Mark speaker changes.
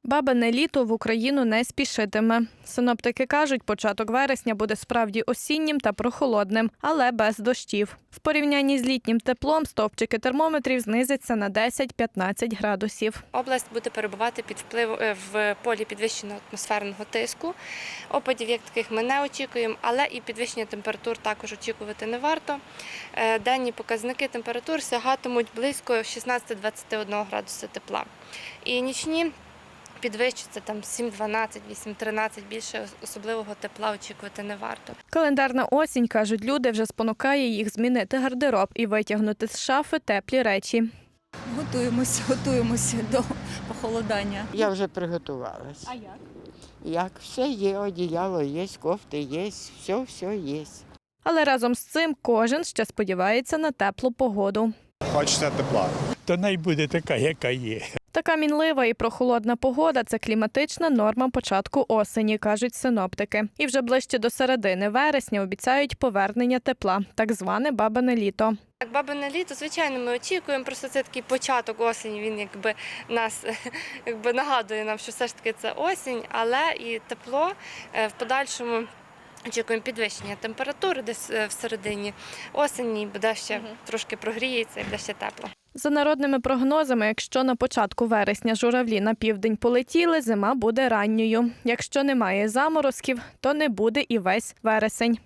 Speaker 1: Бабине літо в Україну не спішитиме. Синоптики кажуть, початок вересня буде справді осіннім та прохолодним, але без дощів. В порівнянні з літнім теплом стовпчики термометрів знизяться на 10-15 градусів.
Speaker 2: Область буде перебувати під в полі підвищеного атмосферного тиску. Опадів як таких ми не очікуємо, але і підвищення температур також очікувати не варто. Денні показники температур сягатимуть близько 16-21 градуса тепла. І нічні підвищиться там 7-12, 8-13, більше особливого тепла очікувати не варто.
Speaker 1: Календарна осінь, кажуть люди, вже спонукає їх змінити гардероб і витягнути з шафи теплі речі.
Speaker 3: Готуємося до похолодання.
Speaker 4: Я вже приготувалась.
Speaker 3: А як?
Speaker 4: Як? Все є, одіяло є, кофти є, все є.
Speaker 1: Але разом з цим кожен ще сподівається на теплу погоду.
Speaker 5: Хочеться тепла.
Speaker 6: То най буде така, яка є.
Speaker 1: Така мінлива і прохолодна погода – це кліматична норма початку осені, кажуть синоптики. І вже ближче до середини вересня обіцяють повернення тепла, так зване бабине літо.
Speaker 2: Так, бабине літо, звичайно, ми очікуємо, просто це такий початок осені, він нас нагадує нам, що все ж таки це осінь, але і тепло в подальшому. Очікуємо підвищення температури десь в середині осені, буде ще трошки прогріється і буде ще тепло.
Speaker 1: За народними прогнозами, якщо на початку вересня журавлі на південь полетіли, зима буде ранньою. Якщо немає заморозків, то не буде і весь вересень.